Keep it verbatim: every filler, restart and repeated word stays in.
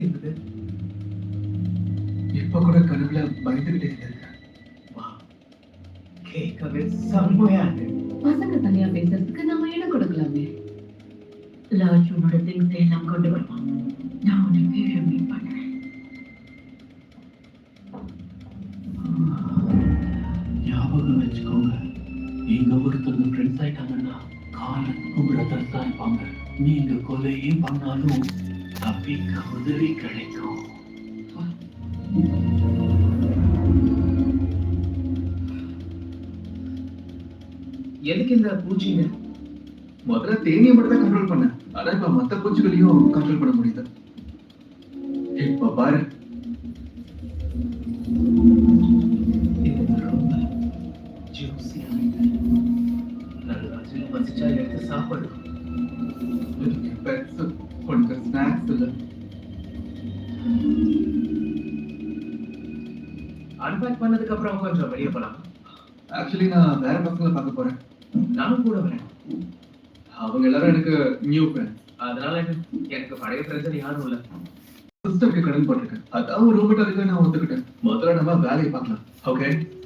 இருந்தது. இப்ப கூட கனவுல பயந்துகிட்டே இருக்கேன். வா, கேட்கவே செம்மையா இருக்கு. பசங்க தனியா பேசுறதுக்கு நாம இடம் கொடுக்கலாமே. ராஜ் உன்னோட திங்ஸ் எல்லாம் கொண்டு வருவான். நான் உன்னை கீழே மீட் பண்றேன். ஞாபகம் வச்சுக்கோங்க, நீங்க ஒருத்தவங்க ஃப்ரெண்ட்ஸ் ஆயிட்டாங்கன்னா காலத்துக்கும் பிரதர்ஸ் தான் இருப்பாங்க. நீங்க கொலையே பண்ணாலும் தப்பிக்க உதவி கிடைக்கும். எதுக்கு இந்த பூச்சிங்க? முதல்ல தேனியை மட்டும் தான் கண்ட்ரோல் பண்ண, ஆனா இப்ப மத்த பூச்சிகளையும் கண்ட்ரோல் பண்ண முடியுது. இப்ப பாரு, ரொம்ப ஜூசியா இருக்கு. நல்லா வசிச்சா எடுத்து சாப்பிடு. பெட்ஸ் உனக்கு ஸ்நாக்ஸ் இல்ல. அன்பேக் பண்ணதுக்கு அப்புறம் கொஞ்சம் வெளியே போலாம். ஆக்சுவலி நான் வேற பசங்களை பார்க்க போறேன். நானும் கூட வரேன். அவங்க எல்லாரும் எனக்கு நியூ ஃப்ரெண்ட்ஸ். அதனால எனக்கு பழைய ஃப்ரெண்ட்ஸ் யாரும் இல்ல. சிஸ்டருக்கு கடன் போட்டிருக்கேன். அதான் ஒரு ரூம் நான் ஒத்துக்கிட்டேன். முதல்ல நம்ம வேலையை பார்க்கலாம். ஓகே.